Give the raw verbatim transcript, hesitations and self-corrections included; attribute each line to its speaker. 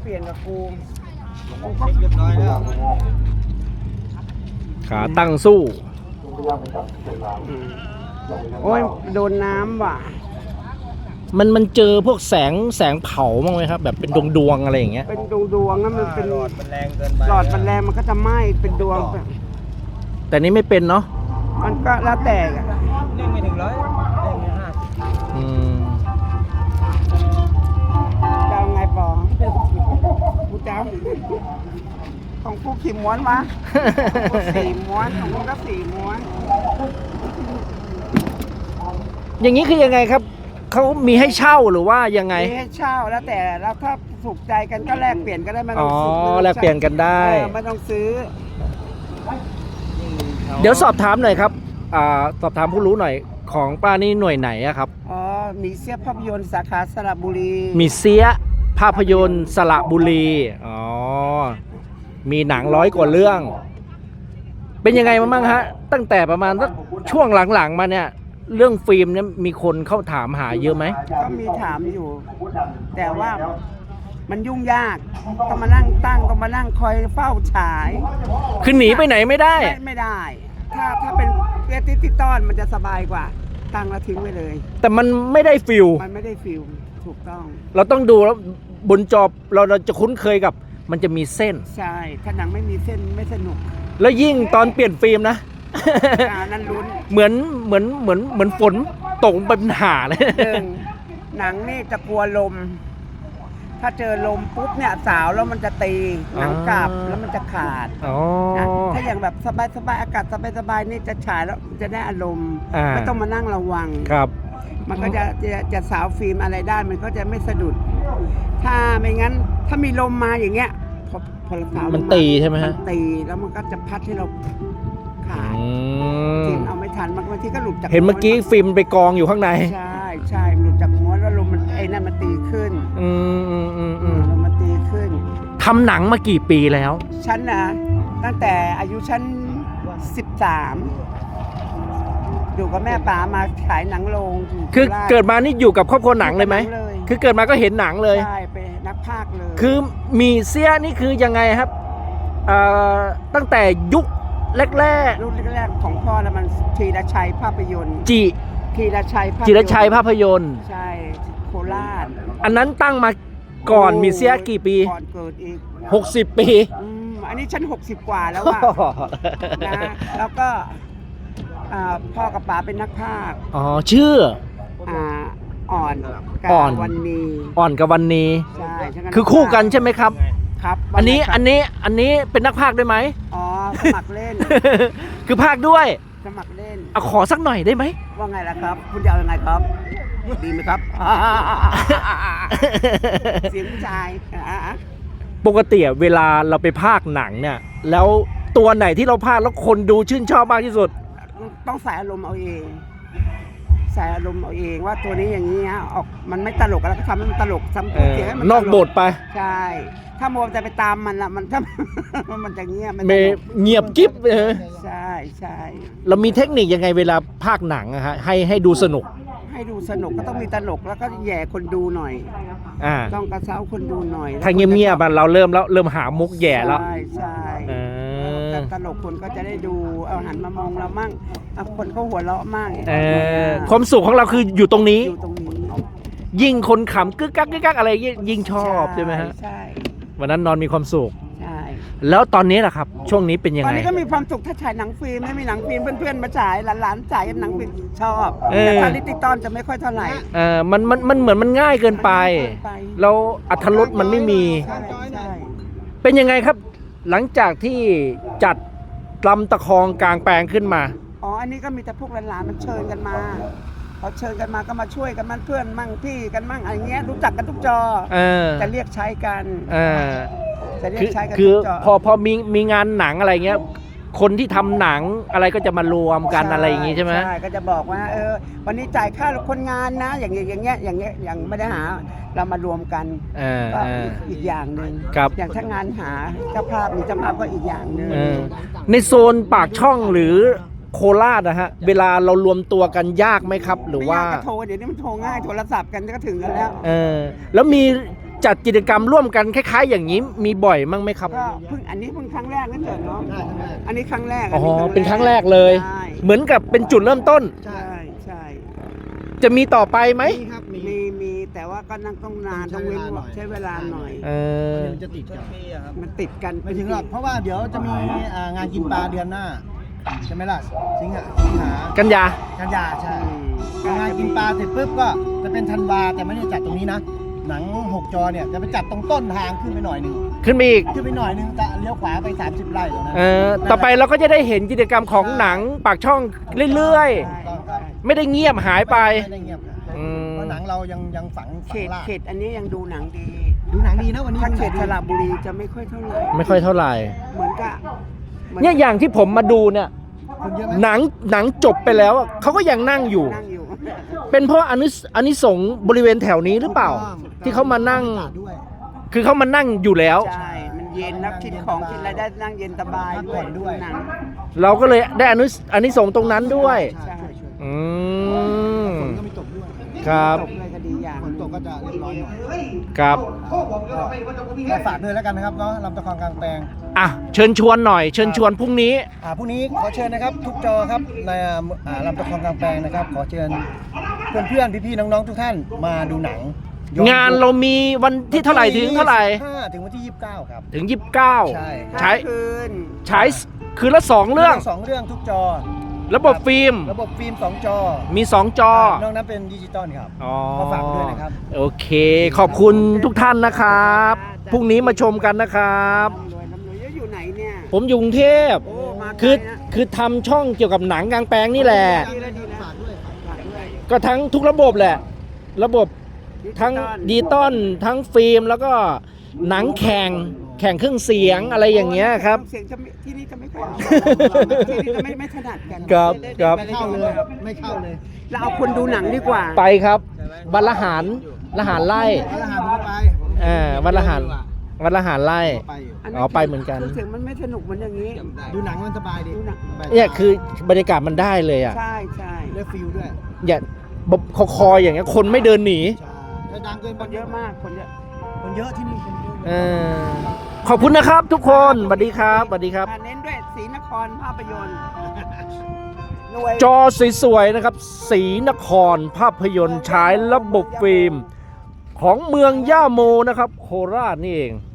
Speaker 1: เปลี่ยนกับกู
Speaker 2: เรียบร้อยแล้ว
Speaker 3: ขาตั้งสู้
Speaker 1: โอ้ยโดนน้ำว่ะ
Speaker 3: มันมันเจอพวกแสงแสงเผาบ้างไหมครับ แบบเป็นดวงดวงๆอะไรอย่างเงี้ย
Speaker 1: เป็นดวงดวงๆนะมันเป็น
Speaker 2: หลอดมันแรงเกินไป
Speaker 1: หลอดมันแรงมันก็จะไหม้เป็นดวง
Speaker 3: แต่นี้ไม่เป็นเนาะ
Speaker 1: มันก็แล้วแต่อะ
Speaker 2: เร่งไม่ถึงร้อยเร่งแค่ห้าสิบ
Speaker 3: อืม
Speaker 1: จะเอาไงปอกูจะเอาของกูขี่ม้วนวะกูสี่ม้วนของกูก็สี่ม้วน
Speaker 3: อย่างนี้คือยังไงครับเขามีให้เช่าหรือว่ายังไง
Speaker 1: มีให้เช่าแล้วแต่แล้วถ้าถูกใจกันก็แลกเปลี่ยนก็ได้ไม่ต้
Speaker 3: อ๋
Speaker 1: อ
Speaker 3: อง
Speaker 1: ซื้อ
Speaker 3: แลกเปลี่ยนกันได้
Speaker 1: เออไม่ต้องซื้อ
Speaker 3: เดี๋ยวสอบถามหน่อยครับอ่าสอบถามผู้รู้หน่อยของป้านี่หน่วยไหนอะครับ
Speaker 1: อ๋อมีเสียภาพยนตร์สาขาสระบุรี
Speaker 3: มีเสียภาพยนตร์สระบุรีอ๋อมีหนังร้อยกว่าเรื่อง เป็นยังไงมาบ้างฮะ ตั้งแต่ประมาณสักช่วงหลังๆมาเนี่ย เรื่องฟิล์มเนี่ยมีคนเข้าถามหาเยอะไหม
Speaker 1: ก็มีถามอยู่ แต่ว่ามันยุ่งยากต้องมานั่งตั้งต้องมานั่งคอยเฝ้าฉาย
Speaker 3: คือหนีไปไหนไม่ได้
Speaker 1: ไม่ไม่ได้ ถ้าถ้าเป็นเรียติติต้อนมันจะสบายกว่า ตั้งแล้วทิ้งไว้เลย
Speaker 3: แต่มันไม่ได้ฟิล
Speaker 1: มันไม่ได้ฟิลถูกต้อง
Speaker 3: เราต้องดูแล้วบนจอเราเราจะคุ้นเคยกับมันจะมีเส้น
Speaker 1: ใช่ ถ้าหนังไม่มีเส้นไม่สนุก
Speaker 3: แล้วยิ่งตอนเปลี่ยนฟิล์มนะ
Speaker 1: อ่านั่นลุ้น
Speaker 3: เหมือนเหมือนเหมือนเหมือนฝนตกเป็นหาเลย
Speaker 1: หนึ่งหนังนี่จะกลัวลม ถ้าเจอลมปุ๊บเนี่ยสาวแล้วมันจะตีหนังกลับแล้วมันจะขาด
Speaker 3: อ๋อ
Speaker 1: นะถ้าอย่างแบบสบายๆอากาศสบายๆนี่จะฉายแล้วจะได้อารมณ์
Speaker 3: อ่า
Speaker 1: ไม่ต้องมานั่งระวัง
Speaker 3: ครับ
Speaker 1: มันก็จะจะจะสาวฟิล์มอะไรได้มันก็จะไม่สะดุด ถ้าไม่งั้นถ้ามีลมมาอย่างเงี้ยพอพอสาวลงา
Speaker 3: มันตีใช่ไหมฮะ
Speaker 1: นตีแล้วมันก็จะพัดให้เราขาด
Speaker 3: อืม
Speaker 1: ทีมเอาไม่ทันบางทีก็หลุดจาก
Speaker 3: เห็นเมื่อกี้ฟิล์มไปกองอยู่ข้างใน
Speaker 1: ใช่ใช่หลุดจากม้วนแล้วลมมันไอ้นั่นมันตีขึ้น
Speaker 3: อืมอืมอืมอืม
Speaker 1: ลมมันตีขึ้น
Speaker 3: ทำหนังมากี่ปีแล้ว
Speaker 1: ฉันนะตั้งแต่อายุฉันสิบสามอยู่กับแม่ป๋ามาขายหนังโรงยู่
Speaker 3: คือ
Speaker 1: โราช
Speaker 3: เกิดมานี่อยู่กับครอบครัวหนังเลยไหม
Speaker 1: เลย
Speaker 3: คือเกิดมาก็เห็นหนังเลย
Speaker 1: ใช่เป็นนักพากย์เลย
Speaker 3: คือมีเสียนี่คือยังไงครับเอ่อตั้งแต่ยุคแรก
Speaker 1: รุ่นแรกๆของพ่อแล้วมันธีรชัยภาพยนตร์
Speaker 3: ๆจิ
Speaker 1: ธีรชัยภาพยนตร์
Speaker 3: จิรชัยภาพยนตร์
Speaker 1: ใช่โคราช
Speaker 3: อันนั้นตั้งมาก่อนมีเสียกี่ปี
Speaker 1: ก่อนเกิดอีก
Speaker 3: หกสิบปี
Speaker 1: อืมอันนี้ฉันหกสิบกว่าแล้วอะนะแล้วก็อ่าพ่อกับป๋าเป็นนักพากย์
Speaker 3: อ๋อชื่อ
Speaker 1: อ่าอ่อนกา
Speaker 3: อ่อน
Speaker 1: วันนี้
Speaker 3: อ่อนกับวันนี้
Speaker 1: ใช่ฉัก็
Speaker 3: คือคู่กันใช่ไหมครับ
Speaker 1: ครับ
Speaker 3: อันนี้
Speaker 1: ว่าไงครับ
Speaker 3: อันนี้อันนี้เป็นนักพากย์ด้วยไหม
Speaker 1: อ๋อสมัครเล่น
Speaker 3: คือพากย์ด้วย
Speaker 1: สมัครเล่น
Speaker 3: เอาขอสักหน่อยได้ไหม
Speaker 1: ว่าไงล่ะครับ คุณจะเอายังไงครับ ดีไหมครับ เสียงผู้ชายอ่ะ
Speaker 3: ปกติเวลาเราไปพากย์หนังเนี่ย แล้วตัวไหนที่เราพากย์แล้วคนดูชื่นชอบมากที่สุด
Speaker 1: ต้องใส่อารมณ์เอาเอง ใส่อารมณ์เอาเองว่าตัวนี้อย่างนี้ฮะออกมันไม่ตลกแล้วก็ทำให้มันตลกทำ
Speaker 3: เอ
Speaker 1: ตัว
Speaker 3: อ
Speaker 1: เสียงให้มัน
Speaker 3: นอก
Speaker 1: ตล
Speaker 3: บทไป
Speaker 1: ใช่ ถ้ามัวแต่ไปตามมันละมันถ้า มันจะเงียบมัน
Speaker 3: เม
Speaker 1: ตลก
Speaker 3: เงียบกิ๊บเออ
Speaker 1: ใช่ใช่
Speaker 3: เรามีเทคนิคยังไงเวลาพากย์หนังอะฮะให้ให้ดูสนุก
Speaker 1: ให้ดูสนุกก็ต้องมีตลกแล้วก็แย่คนดูหน่อย
Speaker 3: อ่า
Speaker 1: ต้องกระเซ้าคนดูหน่อย
Speaker 3: ถ้าเงียบๆอะเราเริ่มแล้วเริ่มหามุกแย่แล้ว
Speaker 1: ใช่ใช่
Speaker 3: เออ
Speaker 1: แต่ตลกคนก็จะได้ดูเอาหันมามองเรามั่งเอาคนเขาหัวเราะมั่ง
Speaker 3: เออความสุขของเราคืออยู่ตรงนี้
Speaker 1: อยู่ตรงนี้
Speaker 3: ยิ่งคนขำกึกกักกึกกักอะไรยิ่งชอบใช่ไหมฮะ
Speaker 1: ใช่
Speaker 3: วันนั้นนอนมีความสุข
Speaker 1: ใช่
Speaker 3: แล้วตอนนี้ล่ะครับ ช่วงนี้เป็นยัง
Speaker 1: ตอน
Speaker 3: ไง
Speaker 1: นี้ก็มีความสุขถ้าฉายหนังฟิล์มไม่มีหนังฟิล์มเพื่อนๆมาฉายหลานๆฉายหนังฟิล์มชอบ
Speaker 3: เออ
Speaker 1: แต่ถ้าลิติตอนจะไม่ค่อยเท่าไหร่
Speaker 3: เออมันมันมันเหมือนมันง่ายเกินไป
Speaker 1: มันง่ายเกินไป
Speaker 3: แล้วอรรถรสมันไม่มี
Speaker 1: ใช่ใช่
Speaker 3: เป็นยังไงครับ หลังจากที่จัดลำตะคองกลางแปลงขึ้นมา
Speaker 1: อ๋ออันนี้ก็มีแต่พวกหลานๆมันเชิญกันมาพอเชิญกันมาก็มาช่วยกันมันเพื่อนมั่งพี่กันมั่งอะไรเงี้ยรู้จักกันทุกจอ
Speaker 3: เออ
Speaker 1: จะเรียกใช้กัน
Speaker 3: เออ
Speaker 1: จะเรีย
Speaker 3: คื
Speaker 1: ก
Speaker 3: อ
Speaker 1: ใช้กัน
Speaker 3: คือ
Speaker 1: ทุกจอ
Speaker 3: พอพอมีมีงานหนังอะไรเงี้ย คนที่ทำหนังอะไรก็จะมารวมกันอะไรอย่างงี้ใช่ไหม
Speaker 1: ใช่ก็จะบอกว่าเออวันนี้จ่ายค่าคนงานนะ อย่างเงี้ยอย่างเงี้ยอย่างเงี้ยอย่างไม่ได้หาเรามารวมกัน
Speaker 3: เออ
Speaker 1: ก็
Speaker 3: เออ
Speaker 1: อีกอย่างหนึ่ง
Speaker 3: ครับ
Speaker 1: อย่างถ้างานหาเจ้าภาพมีเจ้าภาพก็อีกอย่างหนึ่ง
Speaker 3: เออในโซนปากช่องหรือโคราชนะฮะ เวลาเรารวมตัวกันยากไหมครับ หรือ
Speaker 1: ไม่
Speaker 3: ว่า
Speaker 1: ยากก็โทรเดี๋ยวนี้มันโทรง่ายโทรศัพท์กันก็ถึงกันแล้ว
Speaker 3: เออแล้วมีจัดกิจกรรมร่วมกันคล้ายๆ อย่างนี้มีบ่อยมั้งไหมครับ
Speaker 1: ก็เพิ่งอันนี้เพิ่งครั้งแรกนั่นเกิดเนาะ
Speaker 2: ใช่ครั้งแรก
Speaker 1: อันนี้ครั้งแรก
Speaker 3: อ๋อ
Speaker 1: อั
Speaker 3: เป็นครั้งแรกเลย
Speaker 1: ใช่
Speaker 3: เหมือนกับเป็นจุดเริ่มต้น
Speaker 1: ใช่ใช่
Speaker 3: จะมีต่อไปไหม
Speaker 2: มีครับมี
Speaker 1: มีมีแต่ว่าก็นั่งต้องนาน
Speaker 2: ต้
Speaker 1: ต้
Speaker 2: อ
Speaker 1: อง ง
Speaker 2: ใช้
Speaker 1: เว้น
Speaker 2: เวลาหน่อย
Speaker 1: ใช้เวลาหน่อย
Speaker 3: เออ
Speaker 2: มันจะติดกันปีอะครับ
Speaker 1: มันติดกัน
Speaker 2: ไม่ถึงหรอกเพราะว่าเดี๋ยวจะมีอ่างานกินปลาเดือนหน้าใช่ไหมล่ะสิงหาสิงหา
Speaker 3: กันยา
Speaker 2: กันยาใช่
Speaker 1: อืม
Speaker 2: งานกินปลาเสร็จปุ๊บก็จะเป็นธันวาแต่ไม่ได้จัดตรงนี้นะ หนังหกจอเนี่ยจะไปจัดตรงต้นทางขึ้นไปหน่อยหนึ่ง
Speaker 3: ขึ้นไปอีก
Speaker 2: ขึ้นไปหน่อยหนึงจะเลี้ยวขวาไปสามสิบไร่ตรงนั้น
Speaker 3: เออต่อไปเราก็จะได้เห็นกิจกรรมของหนังปากช่องเรื่อย
Speaker 2: ถูกต้องครับ
Speaker 3: ๆ ไม่ได้เงียบหายไป
Speaker 2: ไม่ได้เงียบครับ
Speaker 3: อืม
Speaker 2: เพราะหนังเรายังยังฝัง
Speaker 1: เข
Speaker 2: ฝัง
Speaker 1: ต
Speaker 2: ราก
Speaker 1: เขตอันนี้ยังดูหนังดี
Speaker 2: ดูหนังดีนะวันนี้
Speaker 1: ถ้า
Speaker 2: ดู
Speaker 1: เข
Speaker 2: นั
Speaker 1: ต
Speaker 2: งดี
Speaker 1: สระบุรีจะไม่ค่อยเท่าไหร่
Speaker 3: ไม่ค่อยเท่าไหร่
Speaker 1: เหมือนกับหมื
Speaker 3: เนี่ยอย่างที่ผมมาดูเนี่ย
Speaker 2: คนเยอะไหม
Speaker 3: หนังหนังจบไปแล้วอะเขาก็ยังนั่งอยู่
Speaker 1: นั่งอยู่
Speaker 3: เป็นเพราะอานิสอานิสงส์บริเวณแถวนี้หรือเปล่า ที่เขามานั่ง
Speaker 2: ด้วย
Speaker 3: คือเขามานั่งอยู่แล้ว
Speaker 1: ใช่ มันเย็นนักกินของกินอะไรได้นั่งเย็นสบาย
Speaker 2: พักผ่อนด้วย
Speaker 1: หนัง
Speaker 3: เราก็เลยได้อานิสอานิสงส์ตรงนั้นด้วย
Speaker 2: ใช่ช่วยช่วย
Speaker 3: อืม
Speaker 2: ฝนก็ไม่ตกด้วย
Speaker 3: ครับ
Speaker 1: ตกเลยก็ดีอย่าง
Speaker 2: ฝนตกก็จะเรียบร้อยหน่อย
Speaker 3: ครับ
Speaker 2: ก็ฝากด้วยแล้วกันนะครับเนาะลำตะคองกลางแปลง
Speaker 3: อ่ะเชิญชวนหน่อย เชิญชวนพรุ่งนี้
Speaker 2: อ่าพรุ่งนี้ขอเชิญนะครับทุกจอครับในอ่าลำตะคองกลางแปลงนะครับ ขอเชิญเพื่อนๆพี่ๆน้องๆทุกท่านมาดูหนังย้อ
Speaker 3: งานเรามีวันที่เท่าไหร่ถึงเท่าไหร่
Speaker 2: ห้าถึงวันที่ยี่สิบเก้าครับ
Speaker 3: ถึงยี่สิบเก้า
Speaker 2: ใช่
Speaker 3: ใช้
Speaker 1: คืน
Speaker 3: ใช้คืนละสองเรื่อง
Speaker 2: สองเรื่องทุกจอ
Speaker 3: ระบบฟิล์ม
Speaker 2: ระบบฟิล์มสองจอ
Speaker 3: มีสองจอ
Speaker 2: นอกนั้นเป็นดิจิตอลครับ
Speaker 3: อ๋อ
Speaker 2: ก็ฝากด้วยนะครับ
Speaker 3: โอเค ขอบคุณทุกท่านนะครับพรุ่งนี้มาชมกันนะครับ
Speaker 1: ร่ำรวยร่ำรวยแล้วอยู่ไหนเนี่ย
Speaker 3: ผมอยู่กรุงเทพ
Speaker 1: โอ้มาไกล
Speaker 3: คือ
Speaker 1: นะ
Speaker 3: คือทำช่องเกี่ยวกับหนังกลางแปลงนี่แหละ
Speaker 1: ดีแล้วดีนะ
Speaker 2: ฝากด้วย
Speaker 1: ฝากด้วย
Speaker 3: ก็ทั้งทุกระบบแหละ ระบบทั้งดิจิตอลทั้งฟิล์มแล้วก็หนังแข่งแข่งเครื่องเสียงอะไรอย่างเงี้ยครับ
Speaker 1: เสียงจะไม่ที่นี่จะไม่ค่อยที่นี่จะไม่ไม่ถนัดกัน
Speaker 3: ครับครับ
Speaker 2: ไม่เข้าเลยไม่เข้าเลย
Speaker 1: เราเอาคนดูหนังดีกว่า
Speaker 3: ไปครับวันละหารละหารไล่
Speaker 2: แล้วรหัสผมก็ไป
Speaker 3: อ่าวันละหารวันละหารไล่
Speaker 2: ไปอยู่
Speaker 1: น
Speaker 3: อ๋อไปเหมือนกัน
Speaker 1: คือเสียงมันไม่สนุกเหมือนอย่างนี้
Speaker 2: ดูหนังมันสบายดี
Speaker 1: ดูหนัง
Speaker 2: สบาย
Speaker 3: เนี่ยคือบรรยากาศมันได้เลยอ่ะ
Speaker 1: ใช่ใช่
Speaker 2: ได้ฟิลด้วย
Speaker 3: อย่าบบคอคออย่างเงี้ยคนไม่เดินหนี
Speaker 2: ใช่ถ้าดังเกิน
Speaker 1: คนเยอะมากคนเยอะ
Speaker 2: คนเยอะที่นี่คนเยอะ
Speaker 3: เออขอบคุณนะครับทุกคนสวัสดีครับสวัสดีครับ
Speaker 1: อ่าเน้นด้วยศรีนครภาพยนตร์หน่วย
Speaker 3: จอสวยๆนะครับศรีนครภาพยนตร์ฉายระบบฟิล์ม ของเมืองย่าโมนะครับ โคราชนี่เอง